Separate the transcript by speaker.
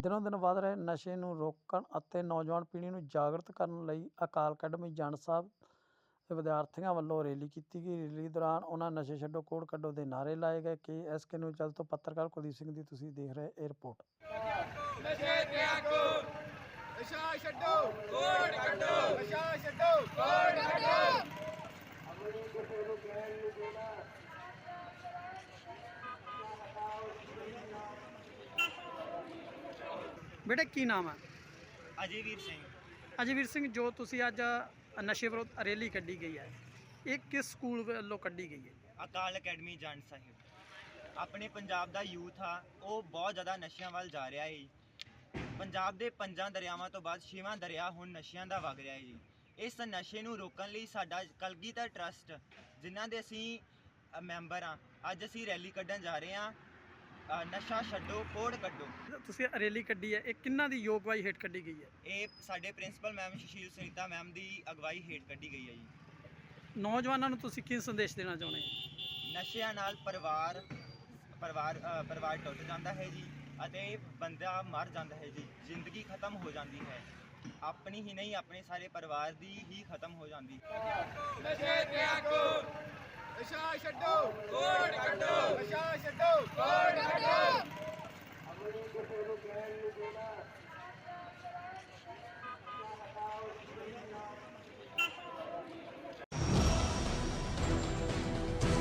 Speaker 1: ਦਿਨੋਂ ਦਿਨ ਵਧ ਰਹੇ ਨਸ਼ੇ ਨੂੰ ਰੋਕਣ ਅਤੇ ਨੌਜਵਾਨ ਪੀੜ੍ਹੀ ਨੂੰ ਜਾਗਰਤ ਕਰਨ ਲਈ ਅਕਾਲ ਅਕੈਡਮੀ ਜੰਡ ਸਾਹਿਬ ਦੇ ਵਿਦਿਆਰਥੀਆਂ ਵੱਲੋਂ ਰੈਲੀ ਕੀਤੀ ਗਈ। ਰੈਲੀ ਦੌਰਾਨ ਉਹਨਾਂ ਨਸ਼ੇ ਛੱਡੋ ਕੋੜ ਕੱਢੋ ਦੇ ਨਾਅਰੇ ਲਾਏ ਗਏ। KSK ਨਿਊਜ਼ ਚੈਨਲ ਤੋਂ ਪੱਤਰਕਾਰ ਕੁਲਦੀਪ ਸਿੰਘ ਦੀ ਤੁਸੀਂ ਦੇਖ ਰਹੇ ਇਹ ਰਿਪੋਰਟ।
Speaker 2: ਨਸ਼ੇ ਤਿਆਗੋ, ਨਸ਼ਾ ਛੱਡੋ ਕੋੜ ਕੱਢੋ, ਨਸ਼ਾ ਛੱਡੋ ਕੋੜ ਕੱਢੋ।
Speaker 1: बेटे की नाम है?
Speaker 3: अजयवीर सिंह।
Speaker 1: अजयवीर सिंह, जो तुसी अज नशे विरोध रैली कड्ढी गई है, ये किस स्कूल वालों कड्ढी गई है?
Speaker 3: अकाल अकैडमी जंड साहिब। अपने पंजाब दा यूथ आ वो बहुत ज़्यादा नशियां वाल जा रहा है। पंजाब दे 5 दरियावां तो बाद 6वां दरिया हुण नशियां दा वग रहा है जी। इस नशे नूं रोकण लई साडा कलगीधर ट्रस्ट जिन्हां दे असीं मैंबर हाँ, अज असीं रैली कड्ढण जा रहे हैं। नशा छड्डो कोड़ कड्ढो।
Speaker 1: तुसी रैली कड्ढी है, ये किन्ना दी योगवाई हेठ कड्ढी गई है?
Speaker 3: ये साडे principal ma'am Sushil Sunita ma'am दी अगवाई हेठ कड्ढी गई है जी।
Speaker 1: नौजवानों नूं तुसी की संदेश देना चाहुंदे हो?
Speaker 3: नशिਆਂ ਨਾਲ ਪਰਿਵਾਰ ਟੁੱਟ ਜਾਂਦਾ ਹੈ ਜੀ ਅਤੇ ਬੰਦਾ ਮਰ ਜਾਂਦਾ ਹੈ ਜੀ। ਜ਼ਿੰਦਗੀ ਖਤਮ ਹੋ ਜਾਂਦੀ ਹੈ, ਆਪਣੀ ਹੀ ਨਹੀਂ ਆਪਣੇ ਸਾਰੇ ਪਰਿਵਾਰ ਦੀ ਹੀ ਖਤਮ ਹੋ ਜਾਂਦੀ ਹੈ।
Speaker 2: ਨਸ਼ੇ ਤਿਆਗੋ, ਨਸ਼ਾ ਛੱਡੋ ਕੋੜ ਕੱਢੋ, ਨਸ਼ਾ ਛੱਡੋ ਕੋੜ ਕੱਢੋ।